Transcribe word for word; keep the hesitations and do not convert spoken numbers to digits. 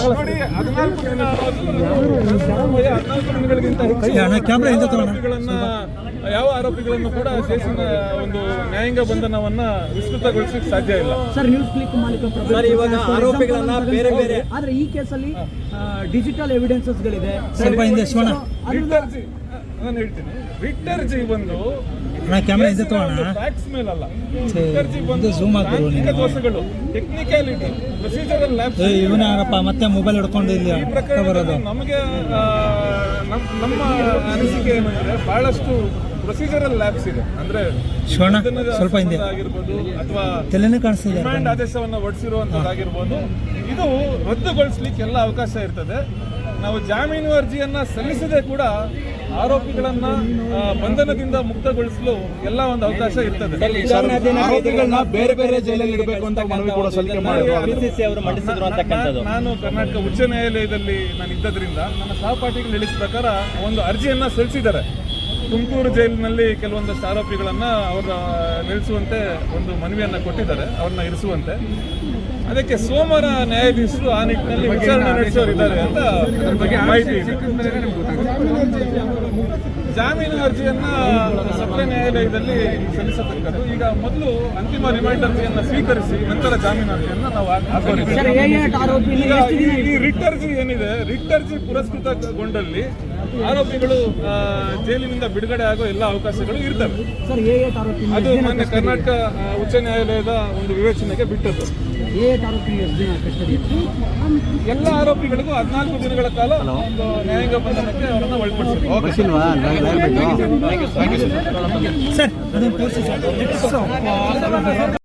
ನೋಡಿ ಹದಿನಾಲ್ಕು ದಿನ ಅನ್ನೋದು ಹದಿನಾಲ್ಕು ದಿನಗಳಿಗಿಂತ ಹೆಚ್ಚು ಆರೋಪಿಗಳನ್ನ ಯಾವ ಆರೋಪಿಗಳನ್ನು ಕೂಡ ಕೇಸಿನ ಒಂದು ನ್ಯಾಯಾಂಗ ಬಂಧನವನ್ನ ವಿಸ್ತೃತಗೊಳಿಸಲಿಕ್ಕೆ ಸಾಧ್ಯ ಇಲ್ಲ. ಸರ್ ನ್ಯೂಸ್ ಕ್ಲಿಕ್ ಮಾಲೀಕ ಸರ್ ಇವಾಗ ಆರೋಪಿಗಳನ್ನ ಬೇರೆ ಬೇರೆ ಆದ್ರೆ ಈ ಕೇಸಲ್ಲಿ ಡಿಜಿಟಲ್ ಎವಿಡೆನ್ಸಸ್ ಗಳಿದೆ. ಸ್ವಲ್ಪ ಹಿಂದೆ ರಿಟರ್ಜಿ ನಾನು ಹೇಳ್ತೀನಿ ರಿಟರ್ಜಿ ಬಂದು ಫ್ಯಾಕ್ಟ್ಸ್ ಮೇಲಲ್ಲ. ರಿಟರ್ಜಿ ಬಂದು ತಾಂತ್ರಿಕ ದೋಷಗಳು ಟೆಕ್ನಿಕ್ಯಾಲಿಟಿ ಪ್ರೊಸೀಜರಲ್ ಲ್ಯಾಬ್ಸ್ ಇವನಾರಪ್ಪ ಮತ್ತೆ ಮೊಬೈಲ್ ಹಿಡ್ಕೊಂಡು ಇಲ್ಲಿ ಈ ಪ್ರಕರಣದಲ್ಲಿ ನಮಗೆ ನಮ್ಮ ಅನಿಸಿಕೆ ಏನಂದ್ರೆ ಬಹಳಷ್ಟು ಪ್ರೊಸೀಜರಲ್ ಲ್ಯಾಬ್ಸ್ ಇದೆ. ಅಂದ್ರೆ ಸ್ವಲ್ಪ ಹಿಂದೆ ಆಗಿರ್ಬೋದು ಅಥವಾ ತಲೆನೇ ಕಾಣಿಸ್ತಿದೆ ರಿಮಾಂಡ್ ಆದೇಶವನ್ನು ಹೊರಡಿಸಿರುವಂತದ್ದಾಗಿರ್ಬೋದು, ಇದು ರದ್ದುಗೊಳಿಸಲಿಕ್ಕೆ ಎಲ್ಲ ಅವಕಾಶ ಇರ್ತದೆ. ನಾವು ಜಾಮೀನು ಅರ್ಜಿಯನ್ನ ಸಲ್ಲಿಸದೆ ಕೂಡ ಆರೋಪಿಗಳನ್ನ ಬಂಧನದಿಂದ ಮುಕ್ತಗೊಳಿಸಲು ಎಲ್ಲ ಒಂದು ಅವಕಾಶ ಇರ್ತದೆ. ಆರೋಪಿಗಳನ್ನ ಬೇರೆ ಬೇರೆ ಜೈಲಲ್ಲಿ ಇಡಬೇಕು ಅಂತ ಮನವಿ ಕೂಡ ಸಲ್ಲಿಕೆ ಮಾಡಿದ್ರು. ನಾನು ಕರ್ನಾಟಕ ಉಚ್ಚ ನ್ಯಾಯಾಲಯದಲ್ಲಿ ನಾನು ಇದ್ದದ್ರಿಂದ ನನ್ನ ಸಹಪಾಠಿಗಳು ಹೇಳಿದ ಪ್ರಕಾರ ಒಂದು ಅರ್ಜಿಯನ್ನ ಸಲ್ಲಿಸಿದ್ದಾರೆ. ತುಮಕೂರು ಜೈಲಿನಲ್ಲಿ ಕೆಲವೊಂದಷ್ಟು ಆರೋಪಿಗಳನ್ನ ಅವರ ನಿಲ್ಲಿಸುವಂತೆ ಒಂದು ಮನವಿಯನ್ನ ಕೊಟ್ಟಿದ್ದಾರೆ, ಅವ್ರನ್ನ ಇರಿಸುವಂತೆ. ಅದಕ್ಕೆ ಸೋಮವಾರ ನ್ಯಾಯಾಧೀಶರು ಆ ನಿಟ್ಟಿನಲ್ಲಿ ವಿಚಾರಣೆ ನಡೆಸೋರಿದ್ದಾರೆ ಅಂತ ಮಾಹಿತಿ ಇದೆ. ಜಾಮೀನು ಅರ್ಜಿಯನ್ನ ಸತ್ರ ನ್ಯಾಯಾಲಯದಲ್ಲಿ ಸಲ್ಲಿಸತಕ್ಕದ್ದು. ಈಗ ಮೊದಲು ಅಂತಿಮ ರಿಮೈಂಡ್ ಅರ್ಜಿಯನ್ನ ಸ್ವೀಕರಿಸಿ ನಂತರ ಜಾಮೀನು ಅರ್ಜಿಯನ್ನ ನಾವು ಹಾಕೋರಿದ್ದೀವಿ. ಈಗ ಈ ರಿಟ್ ಅರ್ಜಿ ಏನಿದೆ, ರಿಟ್ ಅರ್ಜಿ ಪುರಸ್ಕೃತಗೊಂಡಲ್ಲಿ ಆರೋಪಿಗಳು ಜೈಲಿನಿಂದ ಬಿಡುಗಡೆ ಆಗೋ ಎಲ್ಲ ಅವಕಾಶಗಳು ಇರ್ತವೆ. ಅದು ಮಾನ್ಯ ಕರ್ನಾಟಕ ಉಚ್ಚ ನ್ಯಾಯಾಲಯದ ಒಂದು ವಿವೇಚನೆಗೆ ಬಿಟ್ಟದ್ದು. ಎಲ್ಲ ಆರೋಪಿಗಳಿಗೂ ಹದಿನಾಲ್ಕು ದಿನಗಳ ಕಾಲ ಒಂದು ನ್ಯಾಯಾಂಗ ಬಂಧನಕ್ಕೆ ಅವರನ್ನು ಒಳಪಡಿಸಿದ್ರು. ಸರ್